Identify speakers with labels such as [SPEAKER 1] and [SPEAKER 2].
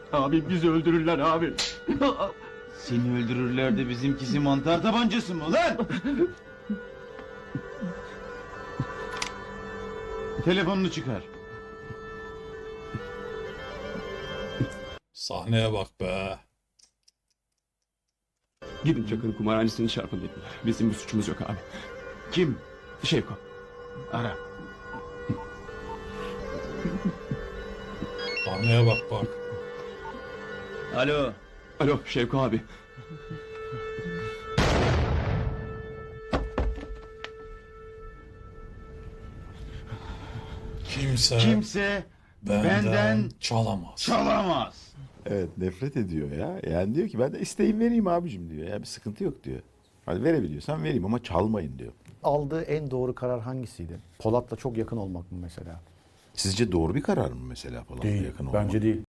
[SPEAKER 1] Abi bizi öldürürler abi.
[SPEAKER 2] Seni öldürürler de bizimkisi mantar tabancası mı lan? Telefonunu çıkar.
[SPEAKER 3] Sahneye bak be.
[SPEAKER 1] Gidin Çakır'ın kumarhanesini çarpın dediler. Bizim bir suçumuz yok abi.
[SPEAKER 2] Kim?
[SPEAKER 1] Şevko.
[SPEAKER 2] Ara.
[SPEAKER 3] Sahneye bak bak.
[SPEAKER 2] Alo.
[SPEAKER 1] Alo Şevko abi.
[SPEAKER 3] Kimse benden çalamaz.
[SPEAKER 2] çalamaz.
[SPEAKER 4] Evet, nefret ediyor ya. Yani diyor ki ben de isteğim vereyim abicim diyor. Ya bir sıkıntı yok diyor. Hadi verebiliyorsan vereyim ama çalmayın diyor.
[SPEAKER 5] Aldığı en doğru karar hangisiydi? Polat'la çok yakın olmak mı mesela?
[SPEAKER 4] Sizce doğru bir karar mı mesela falan yakın olmak?
[SPEAKER 5] Bence değil.